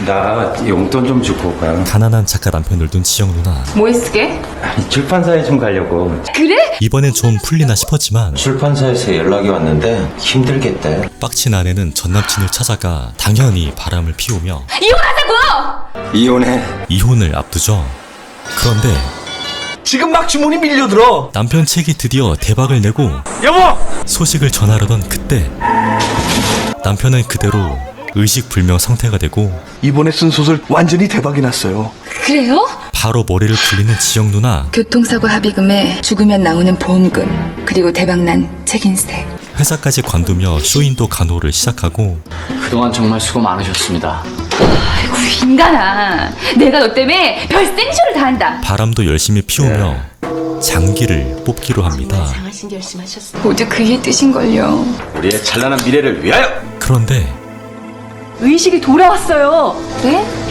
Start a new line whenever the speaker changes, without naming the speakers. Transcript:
나 용돈 좀 주고 가.
가난한 작가 남편을 둔 지영 누나.
뭐에 쓰게?
아니, 출판사에 좀 가려고.
그래?
이번엔 좀 풀리나 싶었지만
출판사에서 연락이 왔는데 힘들겠대.
빡친 아내는 전 남친을 찾아가 당연히 바람을 피우며
이혼하자고!
이혼해.
이혼을 앞두죠. 그런데
지금 막 주문이 밀려들어.
남편 책이 드디어 대박을 내고
여보!
소식을 전하려던 그때 남편은 그대로 의식불명 상태가 되고
이번에 쓴 소설 완전히 대박이 났어요.
그래요?
바로 머리를 굴리는 지영 누나.
교통사고 합의금에 죽으면 나오는 보험금, 그리고 대박난 책인세.
회사까지 관두며 쇼인도 간호를 시작하고
그동안 정말 수고 많으셨습니다.
아이고 인간아, 내가 너 때문에 별 생쇼를 다 한다.
바람도 열심히 피우며 장기를 뽑기로 합니다.
모두 그의 뜻인걸요.
우리의 찬란한 미래를 위하여!
그런데
의식이 돌아왔어요. 그래?